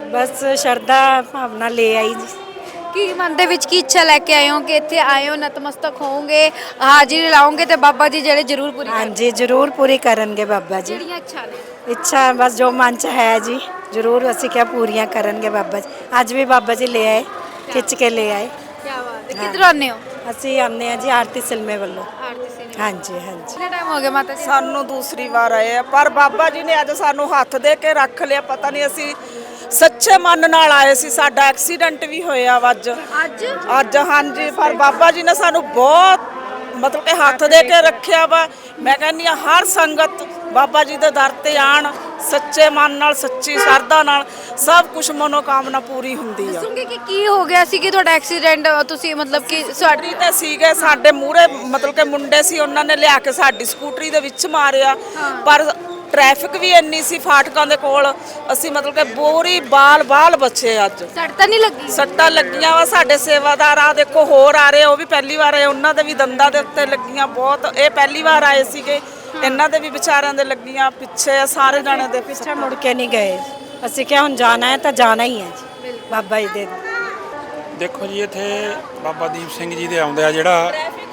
ਬਸ ਸ਼ਰਧਾ ਭਾਵਨਾ ਲੈ ਆਈ ਜੀ। ਕੀ ਮਨ ਦੇ ਵਿੱਚ ਕੀ ਇੱਛਾ ਲੈ ਕੇ ਆਏ ਹੋ ਕਿ ਇੱਥੇ ਆਏ ਹੋ ਨਤਮਸਤਕ ਹੋਵੋਗੇ, ਹਾਜ਼ਰੀ ਲਾਓਗੇ ਤੇ ਬਾਬਾ ਜੀ ਜਿਹੜੇ ਜ਼ਰੂਰ ਪੂਰੀ ਕਰਨਗੇ? ਹਾਂਜੀ ਜ਼ਰੂਰ ਪੂਰੀ ਕਰਨਗੇ ਬਾਬਾ ਜੀ। ਜਿਹੜੀਆਂ ਇੱਛਾ ਨੇ ਇੱਛਾ ਬਸ ਜੋ ਮਨ ਚ ਹੈ ਜੀ ਜ਼ਰੂਰ ਅਸੀਂ ਕਿਹਾ ਪੂਰੀਆਂ ਕਰਨਗੇ ਬਾਬਾ ਜੀ। ਅੱਜ ਵੀ ਬਾਬਾ ਜੀ ਲੈ ਆਏ, ਖਿੱਚ ਕੇ ਲੈ ਆਏ। ਕੀ ਬਾਤ ਹੈ। ਕਿੱਧਰੋਂ ਆਉਂਦੇ ਹੋ? ਅਸੀਂ ਆਉਂਦੇ ਹਾਂ ਜੀ ਆਰਤੀ ਸਿਲਮੇ ਵੱਲੋਂ। ਹਾਂਜੀ ਹਾਂਜੀ। ਕਿੰਨਾ ਟਾਈਮ ਹੋ ਗਿਆ ਮਾਤਾ ਜੀ? ਸਾਨੂੰ ਦੂਸਰੀ ਵਾਰ ਆਏ ਆ, ਪਰ ਬਾਬਾ ਜੀ ਨੇ ਅੱਜ ਸਾਨੂੰ ਹੱਥ ਦੇ ਕੇ ਰੱਖ ਲਿਆ। ਪਤਾ ਨਹੀਂ ਅਸੀਂ ਸੱਚੇ ਮਨ ਨਾਲ ਆਏ ਸੀ। ਸਾਡਾ ਐਕਸੀਡੈਂਟ ਵੀ ਹੋਇਆ ਵਾ ਅੱਜ ਹਾਂਜੀ, ਪਰ ਬਾਬਾ ਜੀ ਨੇ ਸਾਨੂੰ ਬਹੁਤ ਮਤਲਬ ਕਿ ਹੱਥ ਦੇ ਕੇ ਰੱਖਿਆ ਵਾ। ਮੈਂ ਕਹਿੰਦੀ ਆ ਹਰ ਸੰਗਤ ਬਾਬਾ ਜੀ ਦੇ ਦਰ ਤੇ ਆਣ, ਸੱਚੇ ਮਨ ਨਾਲ, ਸੱਚੀ ਸ਼ਰਧਾ ਨਾਲ, ਸਭ ਕੁਝ ਮਨੋਕਾਮਨਾ ਪੂਰੀ ਹੁੰਦੀ ਆ। ਦੱਸੋਗੇ ਕਿ ਕੀ ਹੋ ਗਿਆ ਸੀ ਕਿ ਤੁਹਾਡਾ ਐਕਸੀਡੈਂਟ ਤੁਸੀਂ ਮਤਲਬ ਕਿ ਸਕੂਟਰੀ ਤੇ ਸੀਗੇ, ਸਾਡੇ ਮੂਹਰੇ ਮਤਲਬ ਕਿ ਮੁੰਡੇ ਸੀ, ਉਹਨਾਂ ਨੇ ਲਿਆ ਕੇ ਸਾਡੀ ਸਕੂਟਰੀ ਦੇ ਵਿੱਚ ਮਾਰਿਆ। ਪਰ ਟ੍ਰੈਫਿਕ ਵੀ ਇੰਨੀ ਸੀ ਫਾਟਕਾਂ ਦੇ ਕੋਲ, ਅਸੀਂ ਮਤਲਬ ਕਿ ਬੋਰੀ ਬਾਲ ਬਚੇ। ਅੱਜ ਸੱਟ ਤਾਂ ਨਹੀਂ ਲੱਗੀ? ਸੱਟਾਂ ਲੱਗੀਆਂ ਵਾ। ਸਾਡੇ ਸੇਵਾਦਾਰ ਆ ਦੇਖੋ ਹੋਰ ਆ ਰਹੇ, ਉਹ ਵੀ ਪਹਿਲੀ ਵਾਰ ਆਏ, ਉਹਨਾਂ ਦੇ ਵੀ ਦੰਦਾਂ ਦੇ ਉੱਤੇ ਲੱਗੀਆਂ ਬਹੁਤ। ਇਹ ਪਹਿਲੀ ਵਾਰ ਆਏ ਸੀਗੇ, ਇਹਨਾਂ ਦੇ ਵੀ ਵਿਚਾਰਿਆਂ ਦੇ ਲੱਗੀਆਂ। ਪਿੱਛੇ ਸਾਰੇ ਜਾਣੇ ਦੇ ਪਿੱਛੇ ਮੁੜ ਕੇ ਨਹੀਂ ਗਏ। ਅਸੀਂ ਕਿਹਾ ਹੁਣ ਜਾਣਾ ਹੈ ਤਾਂ ਜਾਣਾ ਹੀ ਹੈ ਜੀ ਬਾਬਾ ਜੀ ਦੇ। ਦੇਖੋ ਜੀ ਇੱਥੇ ਬਾਬਾ ਦੀਪ ਸਿੰਘ ਜੀ ਦੇ ਆਉਂਦੇ ਆ, ਜਿਹੜਾ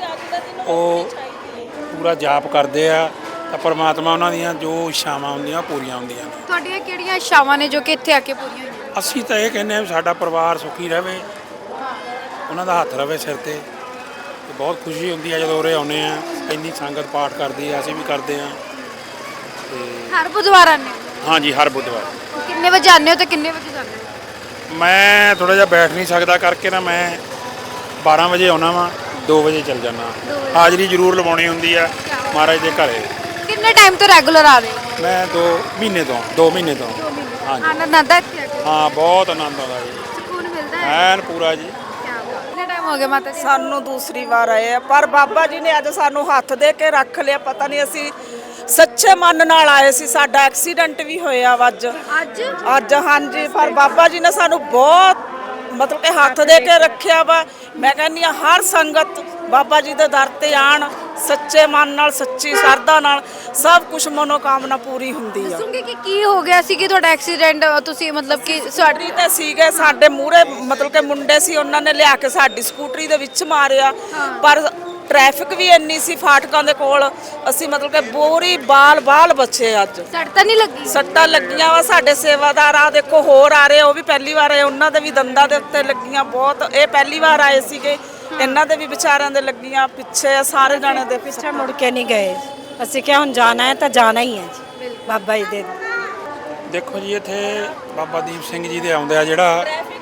ਉਹ ਪੂਰਾ ਜਾਪ ਕਰਦੇ ਆ ਤਾਂ ਪਰਮਾਤਮਾ ਉਹਨਾਂ ਦੀਆਂ ਜੋ ਇੱਛਾਵਾਂ ਹੁੰਦੀਆਂ ਪੂਰੀਆਂ ਹੁੰਦੀਆਂ ਨੇ। ਤੁਹਾਡੀਆਂ ਕਿਹੜੀਆਂ ਇੱਛਾਵਾਂ ਨੇ ਜੋ ਕਿ ਇੱਥੇ ਆ ਕੇ ਪੂਰੀਆਂ ਹੋਈਆਂ? ਅਸੀਂ ਤਾਂ ਇਹ ਕਹਿੰਦੇ ਆ ਵੀ ਸਾਡਾ ਪਰਿਵਾਰ ਸੁਖੀ ਰਹੇ, ਉਹਨਾਂ ਦਾ ਹੱਥ ਰਹੇ ਸਿਰ ਤੇ ਬਹੁਤ ਖੁਸ਼ੀ ਹੁੰਦੀ ਆ ਜਦੋਂ ਉਰੇ ਆਉਂਦੇ ਆ। ਇੰਨੀ ਸੰਗਤ ਪਾਠ ਕਰਦੀ ਆ, ਅਸੀਂ ਵੀ ਕਰਦੇ ਆ। ਤੇ ਹਰ ਬੁੱਧਵਾਰ ਆਉਂਦੇ ਹੋ? ਹਾਂਜੀ ਹਰ ਬੁੱਧਵਾਰ। ਕਿੰਨੇ ਵਜੇ ਆਉਂਦੇ ਹੋ ਤੇ ਕਿੰਨੇ ਵਜੇ ਜਾਂਦੇ ਹੋ? ਮੈਂ ਥੋੜਾ ਜਿਹਾ ਬੈਠ ਨਹੀਂ ਸਕਦਾ ਕਰਕੇ ਨਾ, ਮੈਂ 12 ਵਜੇ ਆਉਣਾ ਵਾਂ, 2 ਵਜੇ ਚੱਲ ਜਾਣਾ। ਹਾਜ਼ਰੀ ਜ਼ਰੂਰ ਲਵਾਉਣੀ ਹੁੰਦੀ ਆ ਮਹਾਰਾਜ ਦੇ ਘਰੇ। ਕਿੰਨੇ ਟਾਈਮ ਤੋਂ ਰੈਗੂਲਰ ਆ ਰਹੇ ਹੋ? ਮੈਂ 2 ਮਹੀਨੇ ਤੋਂ ਹਾਂਜੀ। ਆਨੰਦ ਆਉਂਦਾ ਇੱਥੇ ਆ ਕੇ? ਹਾਂ ਬਹੁਤ ਆਨੰਦ ਆਉਂਦਾ ਜੀ, ਸਕੂਨ ਮਿਲਦਾ ਹੈ? ਐਨ ਪੂਰਾ ਜੀ। ਕਿੰਨਾ ਟਾਈਮ ਹੋ ਗਿਆ ਮਾਤਾ ਜੀ? ਸਾਨੂੰ ਦੂਸਰੀ ਵਾਰ ਆਏ ਆ, ਪਰ ਬਾਬਾ ਜੀ ਨੇ ਅੱਜ ਸਾਨੂੰ ਹੱਥ ਦੇ ਕੇ ਰੱਖ ਲਿਆ। ਪਤਾ ਨਹੀਂ ਅਸੀਂ ਸੱਚੇ ਮਨ ਨਾਲ ਆਏ ਸੀ। ਸਾਡਾ ਐਕਸੀਡੈਂਟ ਵੀ ਹੋਇਆ ਵਾ ਅੱਜ ਹਾਂਜੀ, ਪਰ ਬਾਬਾ ਜੀ ਨੇ ਸਾਨੂੰ ਬਹੁਤ ਮਤਲਬ ਕਿ ਹੱਥ ਦੇ ਕੇ ਰੱਖਿਆ ਵਾ। ਮੈਂ ਕਹਿੰਦੀ ਆ ਹਰ ਸੰਗਤ ਬਾਬਾ ਜੀ ਦੇ ਦਰ ਤੇ ਆਣ, ਸੱਚੇ ਮਨ ਨਾਲ, ਸੱਚੀ ਸ਼ਰਧਾ ਨਾਲ, ਸਭ ਕੁਝ ਮਨੋਕਾਮਨਾ ਪੂਰੀ ਹੁੰਦੀ ਆ। ਦੱਸੋਗੇ ਕਿ ਕੀ ਹੋ ਗਿਆ ਸੀ ਕਿ ਤੁਹਾਡਾ ਐਕਸੀਡੈਂਟ ਤੁਸੀਂ ਮਤਲਬ ਕਿ ਸਕੂਟਰੀ ਤੇ ਸੀਗੇ, ਸਾਡੇ ਮੂਹਰੇ ਮਤਲਬ ਕਿ ਮੁੰਡੇ ਸੀ, ਉਹਨਾਂ ਨੇ ਲਿਆ ਕੇ ਸਾਡੀ ਸਕੂਟਰੀ ਦੇ ਵਿੱਚ ਮਾਰਿਆ। ਪਰ ਟ੍ਰੈਫਿਕ ਵੀ ਇੰਨੀ ਸੀ ਫਾਟਕਾਂ ਦੇ ਕੋਲ, ਅਸੀਂ ਮਤਲਬ ਕਿ ਬੋਰੀ ਬਾਲ ਬਚੇ। ਅੱਜ ਸੱਟ ਤਾਂ ਨਹੀਂ ਲੱਗੀ? ਸੱਟਾਂ ਲੱਗੀਆਂ ਵਾ। ਸਾਡੇ ਸੇਵਾਦਾਰ ਆ ਦੇਖੋ ਹੋਰ ਆ ਰਹੇ, ਉਹ ਵੀ ਪਹਿਲੀ ਵਾਰ ਆਏ, ਉਹਨਾਂ ਦੇ ਵੀ ਦੰਦਾਂ ਦੇ ਉੱਤੇ ਲੱਗੀਆਂ ਬਹੁਤ। ਇਹ ਪਹਿਲੀ ਵਾਰ ਆਏ ਸੀਗੇ, ਇਹਨਾਂ ਦੇ ਵੀ ਵਿਚਾਰਿਆਂ ਦੇ ਲੱਗੀਆਂ। ਪਿੱਛੇ ਸਾਰੇ ਜਾਣੇ ਦੇ ਪਿੱਛੇ ਮੁੜ ਕੇ ਨਹੀਂ ਗਏ। ਅਸੀਂ ਕਿਹਾ ਹੁਣ ਜਾਣਾ ਹੈ ਤਾਂ ਜਾਣਾ ਹੀ ਹੈ ਜੀ ਬਾਬਾ ਜੀ ਦੇ। ਦੇਖੋ ਜੀ ਇੱਥੇ ਬਾਬਾ ਦੀਪ ਸਿੰਘ ਜੀ ਦੇ ਆਉਂਦੇ ਆ, ਜਿਹੜਾ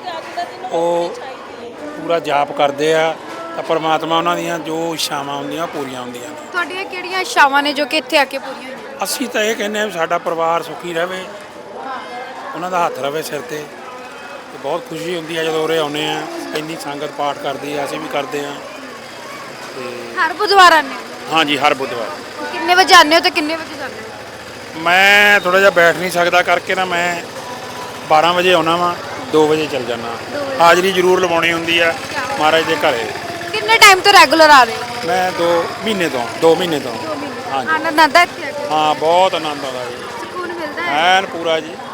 ਉਹ ਪੂਰਾ ਜਾਪ ਕਰਦੇ ਆ ਤਾਂ ਪਰਮਾਤਮਾ ਉਹਨਾਂ ਦੀਆਂ ਜੋ ਇੱਛਾਵਾਂ ਹੁੰਦੀਆਂ ਪੂਰੀਆਂ ਹੁੰਦੀਆਂ ਨੇ। ਤੁਹਾਡੀਆਂ ਕਿਹੜੀਆਂ ਇੱਛਾਵਾਂ ਨੇ ਜੋ ਕਿ ਇੱਥੇ ਆ ਕੇ ਪੂਰੀਆਂ ਹੋਈਆਂ? ਅਸੀਂ ਤਾਂ ਇਹ ਕਹਿੰਦੇ ਆ ਵੀ ਸਾਡਾ ਪਰਿਵਾਰ ਸੁਖੀ ਰਹੇ, ਉਹਨਾਂ ਦਾ ਹੱਥ ਰਹੇ ਸਿਰ ਤੇ ਬਹੁਤ ਖੁਸ਼ੀ ਹੁੰਦੀ ਆ ਜਦੋਂ ਉਰੇ ਆਉਂਦੇ ਆ। ਇੰਨੀ ਸੰਗਤ ਪਾਠ ਕਰਦੀ ਆ, ਅਸੀਂ ਵੀ ਕਰਦੇ ਆ। ਤੇ ਹਰ ਬੁੱਧਵਾਰ ਆਉਂਦੇ ਹੋ? ਹਾਂਜੀ ਹਰ ਬੁੱਧਵਾਰ। ਕਿੰਨੇ ਵਜੇ ਆਉਂਦੇ ਹੋ ਤੇ ਕਿੰਨੇ ਵਜੇ ਜਾਂਦੇ ਹੋ? ਮੈਂ ਥੋੜਾ ਜਿਹਾ ਬੈਠ ਨਹੀਂ ਸਕਦਾ ਕਰਕੇ ਨਾ, ਮੈਂ 12 ਵਜੇ ਆਉਣਾ ਵਾਂ, 2 ਵਜੇ ਚੱਲ ਜਾਣਾ। ਹਾਜ਼ਰੀ ਜ਼ਰੂਰ ਲਵਾਉਣੀ ਹੁੰਦੀ ਆ ਮਹਾਰਾਜ ਦੇ ਘਰੇ। ਕਿੰਨੇ ਟਾਈਮ ਤੋਂ ਰੈਗੂਲਰ ਆ ਰਹੇ ਹੋ? ਮੈਂ 2 ਮਹੀਨੇ ਤੋਂ ਹਾਂਜੀ। ਆਨੰਦ ਆਉਂਦਾ ਇੱਥੇ ਆ ਕੇ? ਹਾਂ ਬਹੁਤ ਆਨੰਦ ਆਉਂਦਾ ਜੀ, ਸਕੂਨ ਮਿਲਦਾ ਹੈ? ਐਨ ਪੂਰਾ ਜੀ।